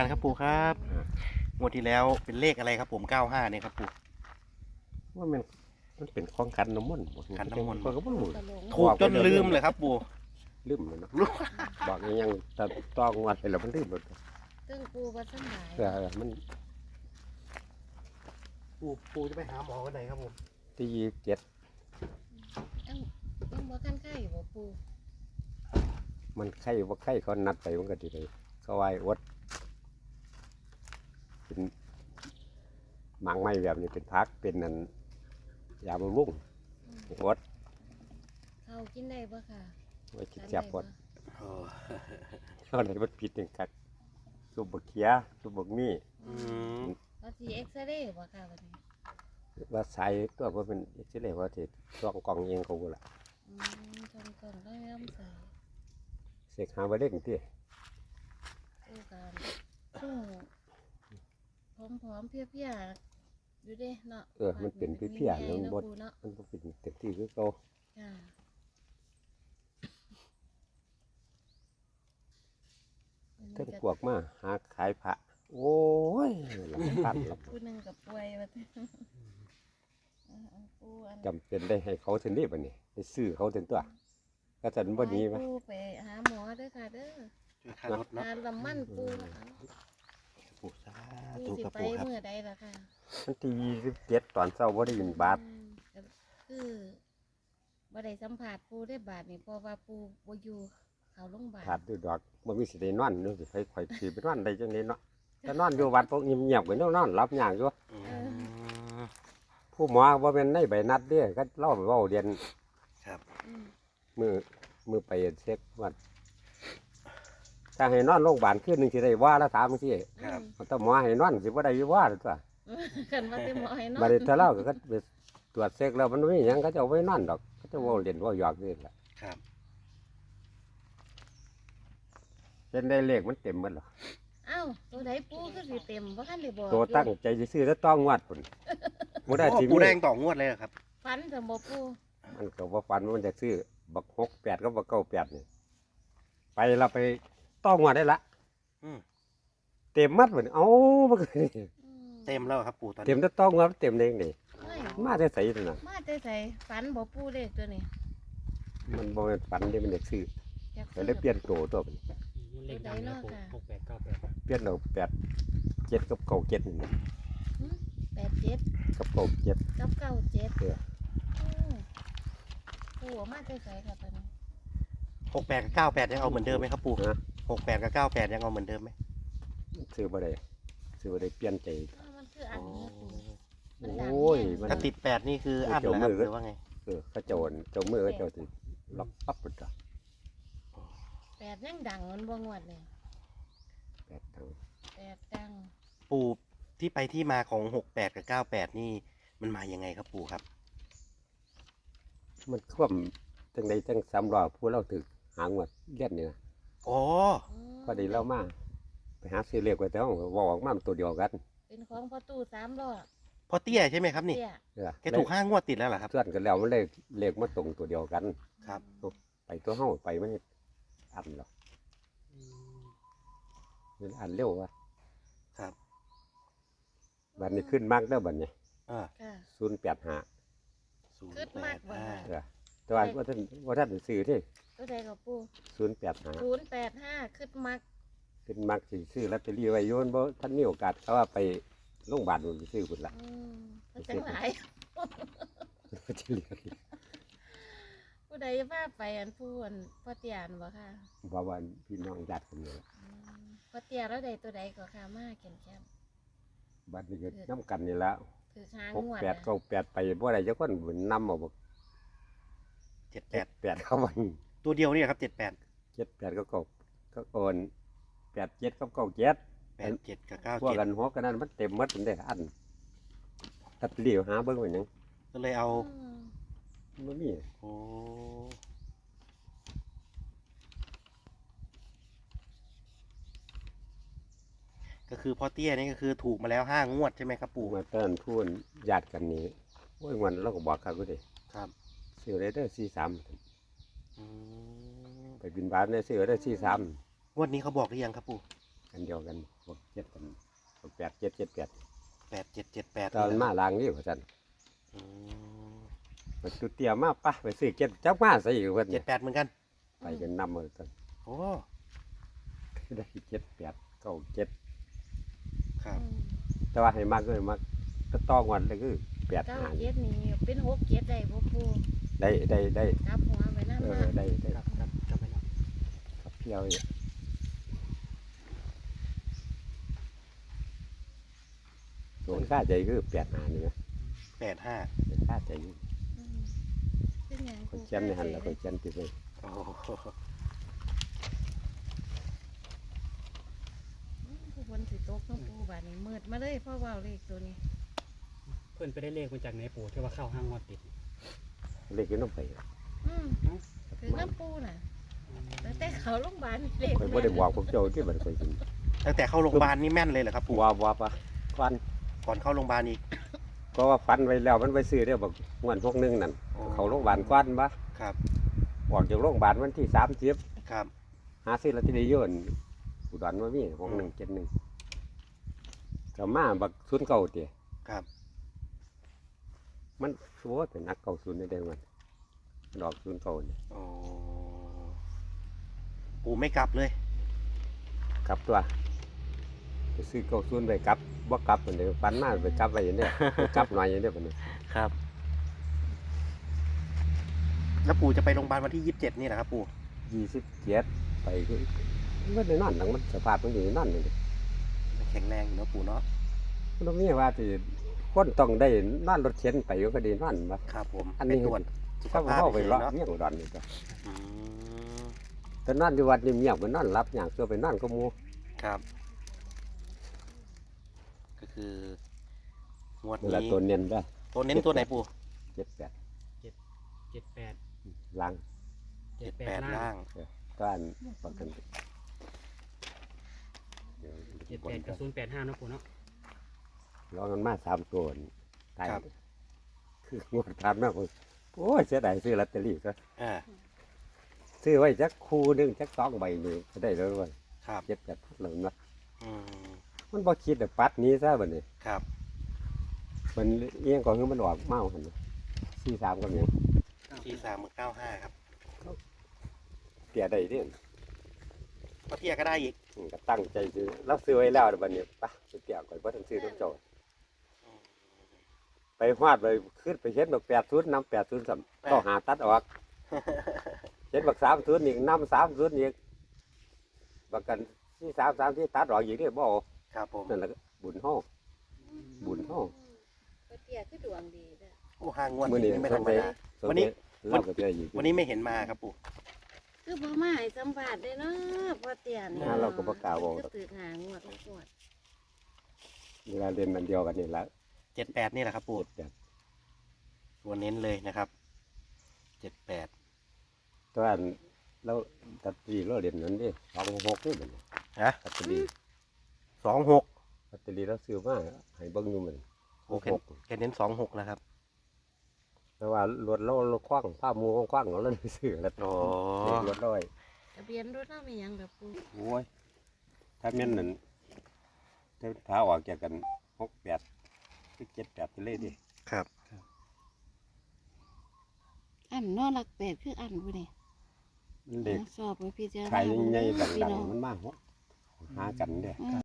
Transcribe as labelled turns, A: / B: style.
A: ครับปู่ครับงวดที่แล้วเป็นเลขอะไรครับผม95เนี่ยครับปู่
B: ว่ามันเป็นของขันน้ำมนต์บ่
A: ขันน้ำมนต์
B: ก็บ่รู้
A: ถูกจนลืมเลยครับปู่
B: ลืมเลยเนาะบอกยังแต่ต้องวัดไปแล้วมันลืมหมด
C: ซึ่งปูว่าสำบาย
B: มัน
A: ปู่จะไปหาหมอวันไหนครับผม
B: ที่7
C: ยังบ่คันไข่บ่ปู
B: มันไข้ว่าไข้เขานัดไปมันก็ดีเลยเขาไหว้อดเป็นหมางไม้แบบนี้เป็นพักเป็นนั่นยาบำรุงอด
C: เขากินได้บ่ค่ะ
B: ไว้คิดแซ่บอด
A: โอ้
B: เขาไหนมันผิดจังคักสุบกเขียสุบกมี
A: อืม
C: ว่าสิเอ็กซเรย์บ่ค่ะวันนี้
B: ว่าสายตัวว่าเป็นเอ็กซเรย์ว่าสิต้องกล่องเองเขาบ่ล่ะ
C: จนก่อนก็เริ่มใส่
B: เสกหาบ่เด้งติ
C: ปูกันซึ่งผอมๆเพลียๆอยู่เด้เนาะ
B: มันเป็นเพี้ยๆแล้วมันบ่
C: ปูเนาะ
B: มันบ่เป็นเต็มที่คือเก่า
C: ค่ะ
B: ทั้งพวกมาหาขายพระโอ้ยหลังพันหลับ
C: ผู้หนึงกับป่วยว่าแต่ปูอัน
B: จำเป็นได้ให้เขาเท่านี้บัดนี้ไปซื้อเขาเต็มตัวก็จะบ่ดีมั้ย
C: ปูไปหาหมอเด้อค่ะเด้อ
A: ช่วยค่ารถเนาะ
C: หาลำมันปูเอา
A: ปู่สา
C: ปู
A: ธุ
C: สิ
A: ครับ
C: ไป
A: ปู่ครับ
C: เมื่อใดล่ะค่ะ
B: มันที่27ตอนเช้าบ่ได้ยินบาท
C: ก็คือบ่ได้สัมผัสปูได้บาทนี่เพราะว่าปูบ่อยู่เขาโรงพยาบาล
B: ขาดด้วยดอกบ่มีสิได้นอนนึกสิไปข่อยสิไปนอนได้จังได๋เนาะถ้านอนอยู่วัดพวกเงียบๆก็นอนหลับยากอยู่
A: อืม
B: ผู้หมอบ่แม่นในใบนัดเด้ก็เล่าไปเว้าเรียน
A: ครับ
C: อืม
B: มือไปเช็คว่าถ้าให้นอนโรงพยาบาลคืนนึงสิได้ว่าละถามจังซี่
A: ครับ
B: ถ้าหมอให้นอนสิบ่ได้อยู่ว่าตัว
C: คันว่าแต่หมอให้เนาะ
B: บัดนี้ถ้าเล่าก็ไปตรวจเช็คแล้วมันไม่มีหยังเขาจะเอาไว้นอนดอกเขาจะเว่าเล่นเว่าหยอกนี่แหละ
A: ครับ
B: เป็นได้เลขมันเต็มหมดหรอ
C: เอ้าตัวใดปูคือสิเต็มบ่คันได้บอก
B: ตัวตั้งใจจะซื้อแล้วต้องวัดพุ่นบ่ได้
A: โอ้
B: สิ
A: ปู่
B: มี
A: แดงต่องวดเลยเหรอครับ
C: ฟันสมบ่ปู
B: มันก็บ่ฝันว่ามันจะซื้อบัก68กับบัก98นี่ไปเราไปต้องวัดได้ละ
A: อืม
B: เต็มมัดพุ่นเอ้ามันก็
A: เต็มแล้วครับปู่ตอน
B: เต็
A: นี้
B: มแต่ต้องวัดเต็มได้จังได๋
C: เฮ้ย
B: มาแต่ไสนั่นน่ะ
C: มาแต่ไสฟันบ่ปูเลขตัวนี้
B: มันบ่แม่นฝันเด้มันอยากซื้อ
C: อยาก
B: ก็เลยเปลี่ยนโตตัวพุ่น
D: เลขดังนะผม6898
B: เปลี่ยนเอา87กับ97นี่
C: 87
B: กับ97
C: กับ97
B: เออ
C: ปูเอามาแต่ไสค่ะตัวนี้
A: 68กับ98ยังเอาเหมือนเดิมไหมครับปู่
B: ฮะ
A: 68กับ98ยังเอาเหมือนเดิมไหม
B: ซื้อบ่ได้ซื้อบ่ได้เปลี่ยนใจ
C: อ้าวมันคืออันนี้ปู มัน
B: โอ
C: ดัง้
B: ย
C: แน่
B: มัน
A: ถ้าติด8นี่คืออั้นเหรอครับหรือว่าไง
B: เขาเจ้าอั่นเจ้ามือเขาเจ้าสิล็อกปั๊บปุ๊บจ้ะ
C: 8ยังดังมันบ่งวดเลย
B: แปดทาง
C: 8ดัง
A: ปู่ที่ไปที่มาของ68กับ98นี่มันมายังไงครับปู่ครับ
B: มันคว่ำจังใดจัง3รอบผู้เราถึกหางวดเลียนนี่นะ
A: อ๋อ
B: พอดีเรามาไปหาซื้อเลขไว้แต่ห้องเว้าออกมามันตัวเดียวกัน
C: เป็นของพ่อตู้3ล้อ
A: พอเตี้ยใช่ไหมครับนี่
C: เตี้ย
B: เออ
A: แกถูก5 งวดติดแล้วเหรอครับ
B: ส่วนกันแล้วมันเลขมาตรงตัวเดียวกัน
A: ครับ
B: ไปตัวเฮาไปมันอันหรอกมันอันเร็วว่ะ
A: ครับ
B: บัดนี้ขึ้นมากเด้อบัดนี้
A: อ่า
C: ค่ะ
B: 085
C: ขึ้นมากกว่า
B: เออแต่ว่าท่านได้ซื้อที่
C: ตัวใดกับปู
B: 085
C: 085ขึ้นมัก
B: ขึ้นมักสิซื้อลอตเตอรี่ไว้โยนบ่ท่านมีโอกาสเขาว่าไปโรงพยาบาลมันไปซื้อพุ่นละ
C: ก็จังหลาย
B: จะเหลือ
C: ผู้ใดพาไปอันผู้อันพ่อเตียนบ่ค่ะ
B: บ่ว่าพี่น้องญาติคนนี้ล่ะ
C: พ่อเตียแล้วใดตัวใดก็ค่ะมาแก่นแคม
B: บัดนี้ก็นํกันนี่ละ
C: ถือช้าง
B: 6
C: งวด
B: 8 9 8ไปบ่ได้จักคนนำเอาบ่
A: 78
B: 8เข้ามัน
A: ตัวเดียวนี่ครับ78
B: 7 8ก็ก็โอน8 7กับ9
A: 87กับ
B: 7พวกกันหัวกันนั้นมันเต็มหมดมันได้อันตัดเลี้ยวหาเบิ่งไว้หยัง
A: 97ก็เลยเอา
B: บ่มี
A: โอ้ก็คือพ่อเตี้ยนี่ก็คือถูกมาแล้ว5 งวดใช่ไหมครับ
B: ปู่
A: ปู่
B: มาเติ้นพูนญาติกันนี่โอ้ยวันเราก็บอกเขาก็ดิ
A: ครับ
B: ซื้อได้เด้อ43
A: อืม
B: ไปบินบาทได้ซื้อได้43
A: งวดนี้เขาบอกหรือยังครับปู่
B: กันเดียวกัน
A: อ
B: เจ็ดกันแปดเจ็ดเจ็ดแปด
A: 8778
B: ตอนมาลางนี่ว่าซั่น
A: อืม
B: มันตุเตียมาปะไปซื้อเจ็ดจักมาใส่อีกเพิ่น
A: 78เหมือนกัน
B: ไปกันนำมาซั่น
A: โอ้
B: ได้เจ็ดแปดเก้าเจ็ด
A: ครับ
B: แต่ว่าให้มากก็ให้มากก็ต้องวันเลยคือแปด
C: เก้า
B: หา
C: เจ็ดนี่เป็นหกเจ็ดได้บ่ปู
B: ได้
C: กลับหัวไปนั่น
B: เอ
C: มา
B: อได้
D: ครับจำไว้แล้ว
B: ครับเที่ยวเนี่ยส่วนค่าใจคือแปดหานี่นะ
A: 85
B: ค่าใจอยู่
C: อืมเป็นหยัง
B: คนเชียนในหันแล้วคนเชียนติดเลย
A: โอ้โห
C: ผู้คนสิตกน้องปูบาดนี้มืดมาเลยพ่อเว้าเลขตัวนี้
D: เพื่อนไปได้เลขมาจากไหนปู่ที่ว่าเข้าห้างงวดติด
B: เล็กก็น้องไป
C: อืมคือน้ำปูน่ะตั้งแต่เขาโรงพยาบาลเลข
B: คอยบ่ได้บอกพวกเจ้าที่มันคอยกิน
A: ตั้งแต่เข้าโรงพยาบาลนี่แม่นเลยเหรอครับปู่
B: ว่าปะฟัน
A: ก่อนเข้าโรงพยาบาลอีก
B: ก็ว่าฟันไว้แล้วมันไปซื้อได้บอกงวดพวกนึงนั่น
A: โอ้
B: เขาโรงพยาบาลกว้านปะ
A: ครับ
B: ออกจากโรงพยาบาลวันที่30
A: ครับ
B: หาซื้อลอตเตอรี่โยนอุดรมามี6171ก็มาบักศูนย์เก่าเตี๋ย
A: ครับ
B: มันชัวเป็นนักเก่าศูนย์ได้มันดอกศูนย์เก่าเนี่ย
A: โอ้ปู่ไม่กลับเลย
B: กลับตัวไปซื้อเก่าศูนย์ไปกลับบ่กลับมันเดียวปันมาไปกลับไปอย่างเนี้ยไปกลับหน่อยอย่างเนี้ยมันเนี่ย
A: ครับ แล้วปู่จะไปโรงพยาบาลวันที่27นี่นะครับปู่
B: 27ไปคือมันได้นอนหลังมันสภาพมันอยู่นอนนี่
A: แข็งแรงอยู่เนอะปู่เนาะ
B: มันต้องมีว่าที่คนต้องได้นอนรถเข็นไปก็ดีนอนมา
A: ครับผม
B: อัน
A: ไป
B: นี้
A: ตรวจสุข
B: ถ้า
A: ภาพ
B: เข้าไป
A: เฉย
B: เลาะ
A: ๆเนาะ
B: เมี่ยงอุดรนี่ก็
A: อืม
B: แต่นอนที่วัดนี่เงียบมันนอนรับอย่างตัวไปนอนก็มู
A: ครับ ก็คืองวด
B: เวลา
A: นี้
B: ตัวเนียนได้
A: ตัวเน้นตัวไหนปู่
B: 78
D: 78
B: ลัง
A: 78ล่าง
B: ก็อันประกัน
D: 78กับ085นะปู่เนาะ
B: ลองกันมา3ตัวนี่ตายคืองวดทานมากเลยโอ้ยเสียดายซื้อลอตเตอรี่ก็
A: อ่า
B: ซื้อไว้จักคู่หนึงจัก2ใบนี่ก็ได้แล้วว่า
A: ครับ
B: 78พัดแล้วนะ
A: อืม
B: มันบ่คิดแต่ปัดหนี้ซะบัดนี้
A: ครับ
B: มันเอียงก่อนคือมันออกเมาหั่นน่ะ43ก็ยัง
A: ที่395ครับ
B: เตียได้เด้
A: ป้าเตี้ยก็ได้อีก
B: ก็ตั้งใจซื้อเราซื้อไว้แล้วบัดนี้ไปไปเตียก่อนบ่ต้องซื้อต้องเจ้าไปฮอดไปขึ้นไปเห็นบัก80นำ80ซ้ํก็หาตัดออกเห็นบัก30อีกนำ30อีกบักกัน43ที่ตัดออกอีกนี่บ่เอา
A: ครับผม
B: นั่นแหละก็บุญเฮา บุญเฮา
C: ป้าเตี้ยคือดวงดีเด้อ
A: โอ้ห่างงวด
B: มื้อนี้
A: นี้ไม่ธรรมดา
B: สง
A: วัน
B: สัย
A: นี้
B: เราก็จะอยู่
A: วันนี้ไม่เห็นมาครับปู่
C: คือบ่มาให้สัมภาษณ์ได้เนาะป้าเตี้ยนี่
B: เราก็บ่กล้าเว้า
C: คือตื่นหางวดงวด
B: เวลาเรียนอันเดียวกันนี่แหละ
A: 78นี่แหละครับปู่
B: แบบ
A: ตัวเน้นเลยนะครับ78
B: ตัวอันเราตัดตีเราเรียนนั้นดิ26นี่บัดนี้
A: ฮะ
B: ตัดตี
A: 26
B: ตัดตีเราซื้อมาให้เบิ่งอยู่มัน
A: โอเคแกเน้น26นะครับ
B: แต่ว่ารถเราคว้างผ้ามูคว้างเราเลยซื้อแล้ว
A: อ๋อ
B: รถร้อย
C: ทะเบียนรถเฮามีหยังแบบปู
B: โอ้ยถ้าแม่นนั่นถ้าออกจากกัน68คือ78ไปเลยดิ
A: ครับ
C: อันนอนหลัก8คืออันบ่นี่
B: มันเด็ก
C: สอบไว้พิจารณา
B: ขายใหญ่ๆ
C: เบิ่ง
B: ดั
C: พี่
B: ง
C: น้อง
B: ๆมันมาหากันเด้
C: อืม